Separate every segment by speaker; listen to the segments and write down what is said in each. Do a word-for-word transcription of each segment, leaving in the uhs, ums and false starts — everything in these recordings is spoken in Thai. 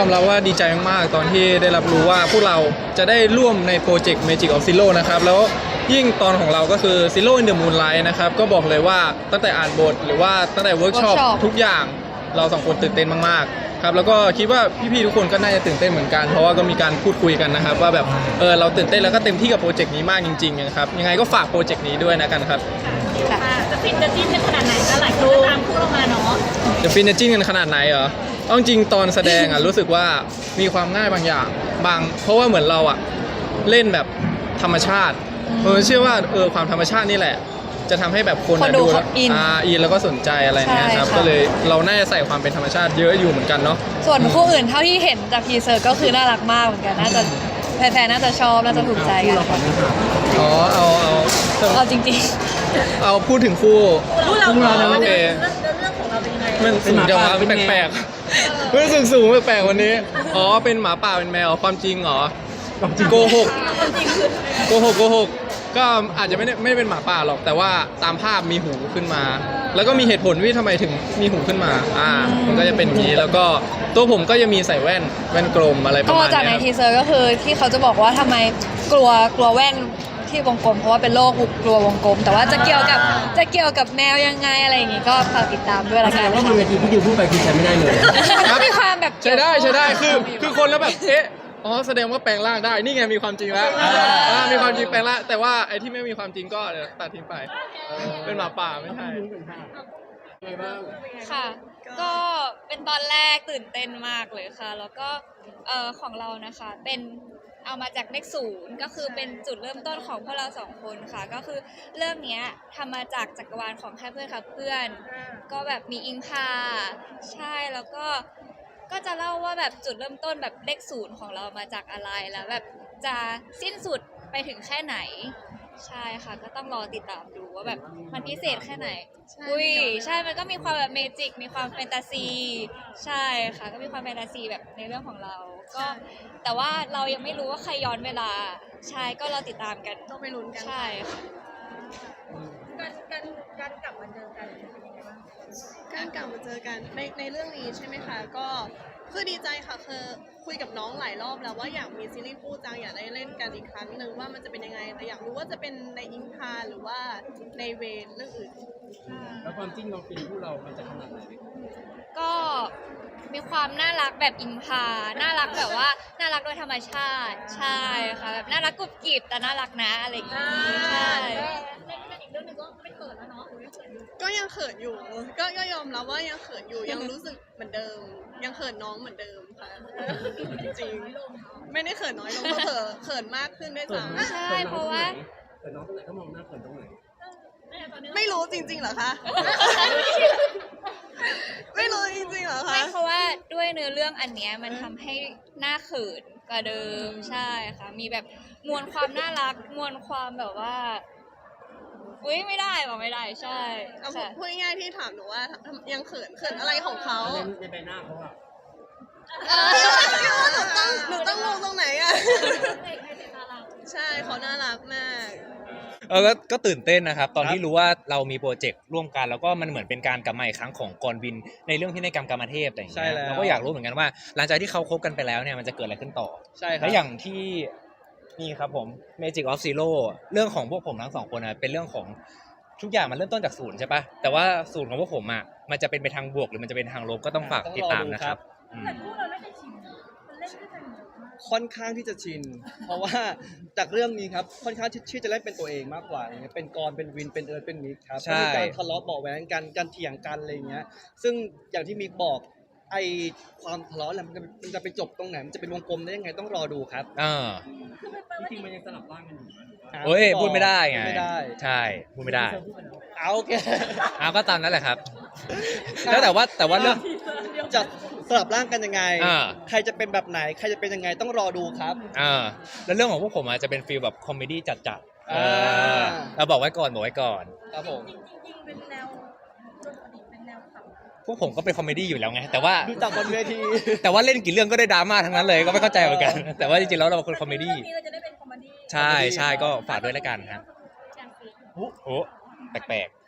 Speaker 1: มรับว่าดีใจมากๆตอนที่ได้รับรู้ว่าพวกเราจะได้ร่วมในโปรเจกต์ Magic of Zero นะครับแล้วยิ่งตอนของเราก็คือ Zero in the Moonlight นะครับก็บอกเลยว่าตั้งแต่อ่านบทหรือว่าตั้งแต่เวิร์กช็อปทุกอย่างเราสองคนตื่นเต้นมากๆครับแล้วก็คิดว่าพี่ๆทุกคนก็น่าจะตื่นเต้นเหมือนกันเพราะว่าก็มีการพูดคุยกันนะครับว่าแบบเออเราตื่นเต้นแล้วก็เต็มที่กับโปรเจกต์นี้มากจริงๆนะครับยังไงก็ฝากโปรเจกต์นี้ด้วยนะกันครับ
Speaker 2: จะฟินจะจิ้นกันขนาดไหนก็หลายคนตามคู่เรามาเนาะ
Speaker 1: จะฟินจะจิ้นกันขนาดไหนเหรอเอาจริงตอนแสดงอ่ะ รู้สึกว่ามีความง่ายบางอย่างบางเพราะว่าเหมือนเราอ่ะเล่นแบบธรรมชาติเออเชื่อว่าเออความธรรมชาตินี่แหละจะทำให้แบบคนดูแล้วอ่าอินแล้วก็สนใจอะไรเงี้ยครับก็เลยเราน่าจะใส่ความเป็นธรรมชาติเยอะอยู่เหมือนกันเนาะ
Speaker 3: ส่วนคู่อื่นเท่าที่เห็นจากทีเซอร์ก็คือน่ารักมากเหมือนกันน่าจะแฟนๆน่าจะชอบน่าจะถูกใจกัน
Speaker 1: อ๋อเอาเอา
Speaker 3: เอาจริง
Speaker 1: ๆเอาพูดถึงคู่
Speaker 2: คู่เรา
Speaker 1: โอเค
Speaker 2: เรื่องของเราเป็นยังไง
Speaker 1: มันสูงจังวะแปลกๆมันสูงสูงแปลกๆวันนี้อ๋อเป็นหมาป่าเป็นแมวความจริงเหรอโกหกโกหกโกหกก็อาจจะไม่ได้ไม่เป็นหมาป่าหรอกแต่ว่าตามภาพมีหูขึ้นมาแล้วก็มีเหตุผลว่าทำไมถึงมีหูขึ้นมาอ่ามันก็จะเป็นอย่างนี้แล้วก็ตัวผมก็จะมีใส่แว่นแว่นกลมอะไรประมาณนี้
Speaker 3: ก็จากในทีเซอร์ก็คือที่เขาจะบอกว่าทำไมกลัวกลัวแว่นที่วงกลมเพราะว่าเป็นโรคกลัววงกลมแต่ว่าจะเกี่ยวกับจะเกี่ยวกับแมวยังไงอะไรอย่างงี้ก็ฝากติดตามด้วยละกัน
Speaker 4: ว่าบนเวทีที่ดิวพูดไปคือใช้ไม่ได้เลย
Speaker 3: มีความแบบ
Speaker 1: ใช้ได้ใช้ได้คือคือคนแล้วแบบเอ๊ะอ๋อแสดงว่าแปลงร่างได้นี่ไงมีความจริงแล้วมีความจริงแปลงร่างแต่ว่าไอ้ที่ไม่มีความจริงก็เดี๋ยวตัดทิ้งไปเป็นหมาป่าไม่ใช่
Speaker 3: ค่ะก็เป็นตอนแรกตื่นเต้นมากเลยค่ะแล้วก็เอ่อของเรานะคะเป็นเอามาจากเลขศูนย์ก็คือเป็นจุดเริ่มต้นของพวกเราสองคนค่ะก็คือเรื่องนี้ทำมาจากจักรวาลของแค่เพื่อนค่ะเพื่อนก็แบบมีอิงพาใช่แล้วก็ก็จะเล่าว่าแบบจุดเริ่มต้นแบบเลขศูนย์ของเรามาจากอะไรแล้วแบบจะสิ้นสุดไปถึงแค่ไหนใช่ค่ะก็ต้องรอติดตามดูว่าแบบมันพิเศษแค่ไหนอุ้ยใช่มันก็มีความแบบเมจิกมีความแฟนตาซีใช่ค่ะก็มีความแฟนตาซีแบบในเรื่องของเราก็แต่ว่าเรายังไม่รู้ว่าใครย้อนเวลาใช่ก็เราติดตามกัน
Speaker 2: ต้องไปลุ้นกัน
Speaker 3: ใช่ค่ะ
Speaker 2: การการการกลับมาเจอกันเป็นยังไงบ้างการกลับมาเจอกันในในเรื่องนี้ใช่ไหมคะก็คือดีใจค่ะคือคุยกับน้องหลายรอบแล้วว่าอยากมีซีรีส์คู่จังอยากได้เล่นกันอีกครั้งหนึ่งว่ามันจะเป็นยังไงแต่อยากรู้ว่าจะเป็นในอิงคาหรือว่าในเวรเรื่องอื่น
Speaker 4: แล้วความจริงเราเป็นคู่เรามันจะขนาดไหน
Speaker 3: ก็มีความน่ารักแบบอิงพาน่ารักแบบว่าน่ารักโดยธรรมชาติใช่ค่ะแบบน่ารักกรุบกริบแต่น่ารักนะอะไรอย่างงี้ใช่
Speaker 2: ในอีกเรื่องนึงก็ไม่เขินแล้วเนาะก็ยังเขินอยู่ก็ก็ยอมรับว่ายังเขินอยู่ยังรู้สึกเหมือนเดิมยังเขินน้องเหมือนเดิมค่ะจริงไม่ได้เขินน้อยลงก็เขินเขินมากขึ้นด้วยซ้ำ
Speaker 3: ใช่เพราะว่า
Speaker 4: เขินน้องตรงไหนก็มองหน้าเขินตรงไหน
Speaker 2: ไม่รู้จริงๆเหรอคะไม่รู้จริงๆเหรอคะ
Speaker 3: ไม่เพราะว่าด้วยเนื้อเรื่องอันเนี้ยมันทำให้หน้าเขินกว่าเดิมใช่ค่ะมีแบบมวลความน่ารักมวลความแบบว่าอุ้ยไม่ได้บอกไม่ได้ใช่
Speaker 2: พูดง่ายๆที่ถามหนูว่ายังเขินเขินอะไรของเขา
Speaker 4: ในใบหน้าเขาอะ
Speaker 2: หนูต้องหนูต้องมองตรงไหนอะใช่เขาน่ารักมาก
Speaker 5: เออก็ตื่นเต้นนะครับตอนที่รู้ว่าเรามีโปรเจกต์ร่วมกันแล้วก็มันเหมือนเป็นการกลับมาอีกครั้งของกรวินในเรื่องพินัยกรรมกรรมเทพอะไรอย่างเงี้ยเราก็อยากรู้เหมือนกันว่าหลังจากที่เขาคบกันไปแล้วเนี่ยมันจะเกิดอะไรขึ้นต่อ
Speaker 1: ใช่ครับ
Speaker 5: และอย่างที่นี่ครับผม Magic of Zero เรื่องของพวกผมทั้งสองคนนะเป็นเรื่องของทุกอย่างมันเริ่มต้นจากศูนย์ใช่ปะแต่ว่าศูนย์ของพวกผมอ่ะมันจะเป็นไปทางบวกหรือมันจะเป็นทางลบก็ต้องฝากติดตามนะครับ
Speaker 2: แต่พวกเราไม่ได้ชินมันเล่นด้วยกัน
Speaker 6: ค่อนข้างที่จะชินเพราะว่าจากเรื่องนี้ครับค่อนข้างที่จะเล่นเป็นตัวเองมากกว่าเป็นกรเป็นวินเป็นเอิร์ธเป็นมิกครับมีการทะเลาะเบาะแว้งกันการเถียงกันอะไรเงี้ยซึ่งอย่างที่มิกบอกไอความทะเลาะมันจะมันจะไปจบตรงไหนมันจะเป็นวงกลมได้ยังไงต้องรอดูครับ
Speaker 5: อ่า
Speaker 4: จริงๆมันยังสลับร่างกันอยู่
Speaker 5: โอ้ยพูดไม่ได้ไงใช่พูดไม่ได้
Speaker 6: เอาโอเค
Speaker 5: เอาก็ตามนั้นแหละครับแล้วแต่ว่าแต่ว่าเรื่อง
Speaker 6: จะสลับร่างกันยังไงใครจะเป็นแบบไหนใครจะเป็นยังไงต้องรอดูครับ
Speaker 5: อ่าแล้วเรื่องของพวกผมอาจจะเป็นฟีลแบบคอมเมดี้จัดๆอ่าเราบอกไว้ก่อนบอกไว้ก่อน
Speaker 6: ครับผม
Speaker 2: จริงๆเป็นแนวเป็นแนวขำ
Speaker 5: พวกผมก็เป็นคอมเมดี้อยู่แล้วไงแต่ว่า
Speaker 6: ดูจากบนเวที
Speaker 5: แต่ว่าเล่นกี่เรื่องก็ได้ดราม่าทั้งนั้นเลยก็ไม่เข้าใจเหมือนกันแต่ว่าจริงๆแล้วเราเป็นคนคอมเมดี้
Speaker 2: เราจะได้เป็นคอมเมดี้
Speaker 5: ใช่ใช่ก็ฝากด้วยแล้วกันครับโอ้แปลกๆ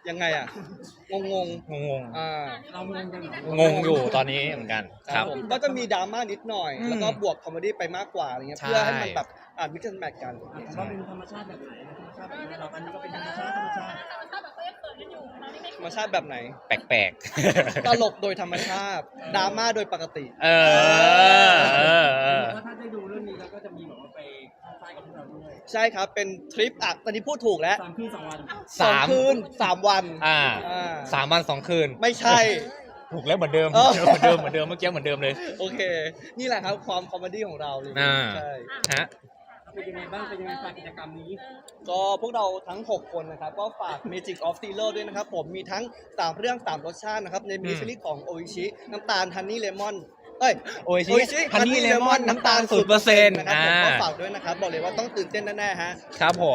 Speaker 6: ยังไงอ่ะ งงง
Speaker 5: งง
Speaker 6: ๆอ่า
Speaker 4: เรางงกันเหรอ
Speaker 5: ๆงงอยู่ตอนนี้เหมือนกันครับ
Speaker 6: ผมก็จะมีดราม่านิดหน่อย
Speaker 5: อืม
Speaker 6: แล้วก็บวกคอมเมดี้ไปมากกว่าอะไรเงี้ย
Speaker 5: ใช่
Speaker 6: เพื่อให้มันแบบอ่านมิกซ์แมทกัน
Speaker 4: อ่ะของเราเป็นธรรมชาติแบบไหนธรรมชาติแบบไหนเราอันนี้ก็เป็นธรรมชาติธรรมชาติ
Speaker 6: ธรรมชาติแบบไหน
Speaker 5: แปลก
Speaker 6: ตลกโดยธรรมชาติดราม่าโดยปกติ
Speaker 5: ๆ เออเออเออ
Speaker 4: ว่าถ้าได้ดูเรื่องนี้แล้วก็จะมีแบบว่าไปเข้าค่ายกับพวกเราด้วย
Speaker 6: ใช่ครับเป็นทริปอ่ะตอนนี้พูดถูกแล้ว
Speaker 4: สามคืนสองวัน
Speaker 6: สอง
Speaker 5: สาม
Speaker 6: คืนสามวัน
Speaker 5: อ่า
Speaker 6: อ่า
Speaker 5: สามวันสองคืน
Speaker 6: ไม่ใช่
Speaker 5: ถูกแล้วเหมือนเดิม
Speaker 6: เออ
Speaker 5: เหมือนเดิมเหมือนเดิมเมื่อกี้เหมือนเดิมเลย
Speaker 6: โอเค นี่แหละครับความคอมเมดี้ของเราเลย
Speaker 5: อ่า
Speaker 6: ใช่
Speaker 5: ฮะ
Speaker 4: เป็นยังไงบ้างเป็นยังไงฝากกิจกรรมนี้
Speaker 6: ก็พวกเราทั้ง หก คนนะครับ ก็ฝาก Magic of Zero ด้วยนะครับ ผมมีทั้ง สาม เรื่อง สาม รสชาตินะครับ ในมินิซีรีส์ของโออิชิน้ำตาลฮันนี่เลมอนเอ้ย
Speaker 5: โออิชิฮันนี่เลมอนน้ำตาลศูนย์เปอร์เซ็นต์
Speaker 6: นะครับ
Speaker 5: อ่า
Speaker 6: ผมก็ฝากด้วยนะครับ บอกเลยว่าต้องตื่นเต้นแน่ๆฮะ
Speaker 5: ครับผม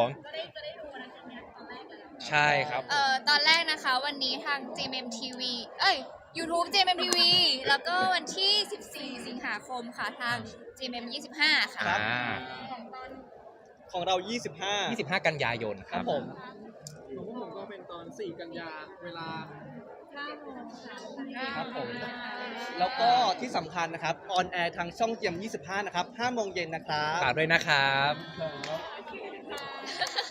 Speaker 5: ใช่ครับ
Speaker 3: เอ่อตอนแรกนะคะวันนี้ทาง จี เอ็ม เอ็ม ที วี เอ้ย YouTube จี เอ็ม เอ็ม ที วี แล้วก็วันที่ สิบสี่ สิงหาคมค่ะทาง จี เอ็ม เอ็ม ยี่สิบห้า ค่ะ
Speaker 6: ครับ
Speaker 5: อ่า
Speaker 6: ของเรา ยี่สิบห้า
Speaker 5: ยี่สิบห้า กันยายนค
Speaker 6: ค
Speaker 5: รั
Speaker 6: รับ บผม
Speaker 1: ของพวกผมก็เป็นตอนสี่กันยาเวลา
Speaker 6: ครับผม แล้วก็ที่สำคัญนะครับ ออนแอร์ทางช่องเจียมยี่สิบห้านะครับห้าโมงเย็นนะครับ
Speaker 5: ฝากด้วยนะครับ
Speaker 6: ครับ